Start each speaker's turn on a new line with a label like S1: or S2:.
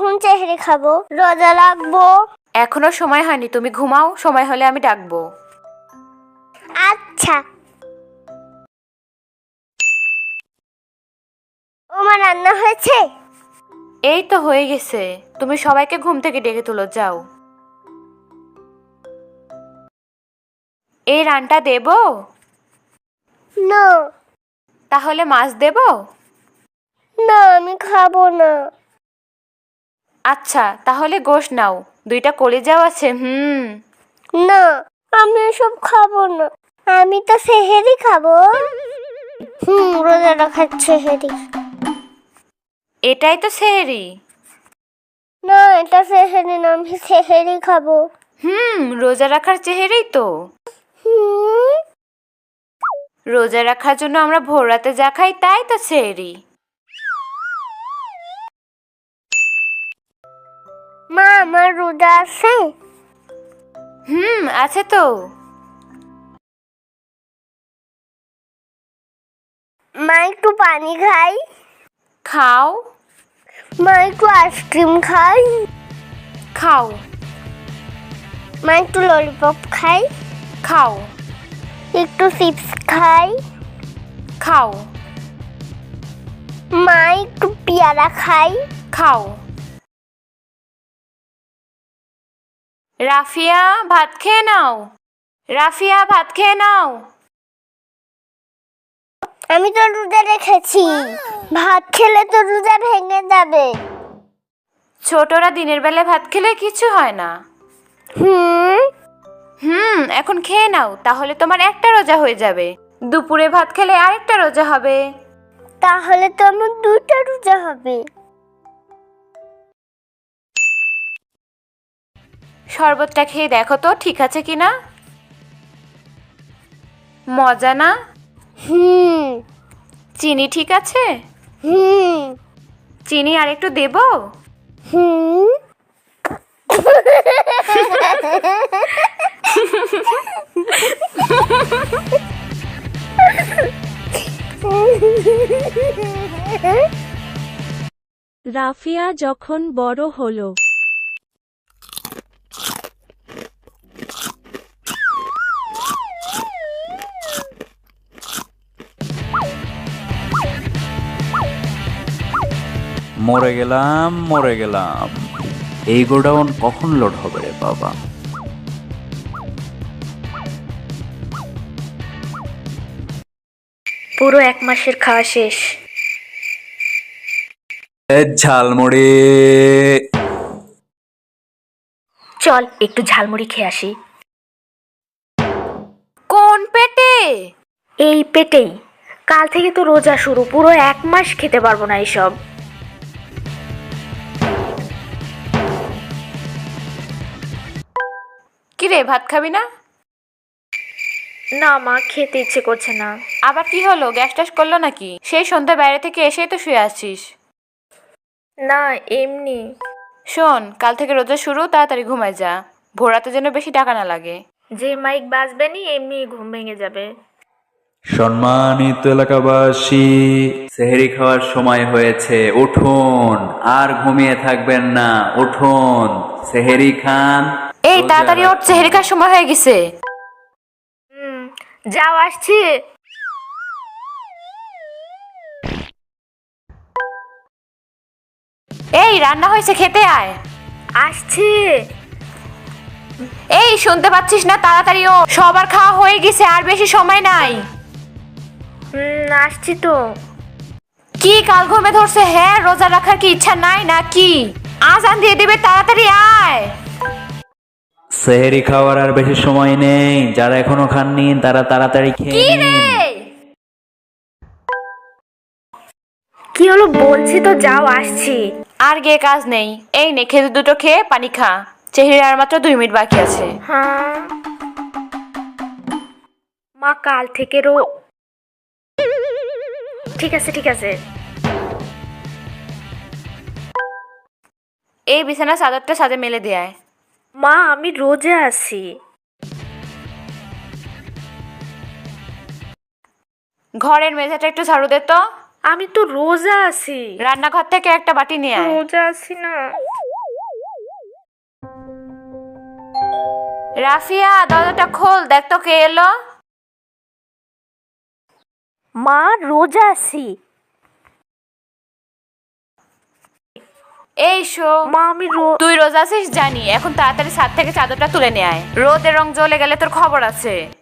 S1: কখন সেহরি খাবো? রোজা রাখবো।
S2: এখনো সময় হয়নি, তুমি ঘুমাও, সময় হলে আমি ডাকবো।
S1: আচ্ছা। ওমা রান্না হয়েছে?
S2: এই তো হয়ে গেছে, তুমি সবাইকে ঘুম থেকে ডেকে তুলো, যাও। এই রানটা দেবো?
S1: না
S2: তাহলে মাছ দেবো?
S1: না, আমি খাবো না।
S2: আচ্ছা তাহলে গোশ নাও, 2টা কলিজাও আছে।
S1: না, আমি এসব খাবো না। আমি তো সেহরি খাবো। রোজা রাখার সেহরি।
S2: এটাই তো সেহরি।
S1: না, এটা সেহরি না, আমি সেহরি খাবো।
S2: রোজা রাখার চেহারাই তো।
S1: হুম,
S2: রোজা রাখার জন্য আমরা ভোর রাতে যা খাই তাই তো সেহরি।
S1: মা আমার রোজা আছে?
S2: আছে তো।
S1: মা একটু পানি খাই।
S2: খাও।
S1: মা একটু আইসক্রিম খাই।
S2: খাও।
S1: মা একটু ললিপপ খাই।
S2: খাও।
S1: একটু চিপস খাই।
S2: খাও।
S1: মা একটু পেয়ারা খাই।
S2: খাও। রাফিয়া ভাত খেয়ে নাও। রাফিয়া ভাত খেয়ে নাও।
S1: আমি তো রোজা রেখেছি, ভাত খেলে তো রোজা ভেঙে যাবে।
S2: ছোটরা দিনের বেলা ভাত খেলে কিছু হয় না। এখন খেয়ে নাও, তাহলে তোমার একটা রোজা হয়ে যাবে। দুপুরে ভাত খেলে আরেকটা রোজা হবে।
S1: তাহলে তো আমার 2টা রোজা হবে।
S2: শরবতটা খেয়ে দেখো তো ঠিক আছে কিনা। মজা না? চিনি ঠিক আছে? চিনি আর একটু দেবো?
S3: রাফিয়া যখন বড় হলো।
S4: মরে গেলাম। এই গোডাউন কখন লোড হবে রে বাবা?
S2: পুরো 1 মাসের খাওয়া শেষ।
S4: ঝালমুড়ি।
S2: চল একটু ঝালমুড়ি খেয়ে আসি। কোন পেটে? এই পেটেই। কাল থেকে তো রোজা শুরু, পুরো 1 মাস খেতে পারবো না এইসব। কিরে ভাত খাবি না? না মা, খেতে ইচ্ছে করছে না। আবার কি হলো, গ্যাস ট্যাস করলো নাকি? সেই সন্ধ্যা বাইরে থেকে এসেই তো শুয়ে আছিস। না এমনি। শোন, কাল থেকে রোজা শুরু, তাড়াতাড়ি ঘুমায় যা, ভোর রাতে যেন বেশি টাকা না লাগে। যে মাইক বাজবে নি এমনি ঘুম ভেঙে যাবে।
S4: সম্মানিত এলাকাবাসী, সেহরি খাওয়ার সময় হয়েছে, উঠুন, আর ঘুমিয়ে থাকবেন না, উঠুন, সেহরি খান।
S2: এই তাড়াতাড়ি ওঠ, সেহরি খাওয়ার সময় হয়ে গেছে। যাও আসছি। এই রান্না হয়েছে, খেতে আয়। আসছি। এই শুনতে পাচ্ছিস না? তাড়াতাড়ি ও, সবার খাওয়া হয়ে গেছে, আর বেশি সময় নাই। আসছি তো। কি কাল ঘুমে ধরছে? হ্যাঁ, রোজা রাখার কি ইচ্ছা নাই নাকি? আজান দিয়ে দিবে, তাড়াতাড়ি আয়।
S4: সেহরি খাওয়ার আর বেশি সময় নেই, যারা এখনো খাননি তারা তাড়াতাড়ি খেয়ে নিন।
S2: কি হলো বলছি তো, যাও আসছি। আর গিয়ে কাজ নেই, এই নে খেজুর দুটো খেয়ে পানি খা, চেহারা আর মাত্র 2 মিনিট বাকি আছে। হ্যাঁ মা, কাল থেকে ঠিক আছে ঠিক আছে। এই বিছানা চাদরটা সাথে মেলে দেয়। মা আমি রোজা আছি। ঘরের মেঝেটা একটু ঝাড়ু দে তো। আমি তো রোজা আছি। রান্নাঘর থেকে একটা বাটি নিয়ে আয়। রোজা আছি না। রাফিয়া, দরজাটা খোল, দেখ তো কে এলো।
S3: মা, রোজা আছি।
S2: এই শো
S3: মা, আমি
S2: তুই রোজা আছিস জানি, এখন তাড়াতাড়ি ছাদ থেকে চাদরটা তুলে নিয়ে আয়, রোদের রং জ্বলে গেলে তোর খবর আছে।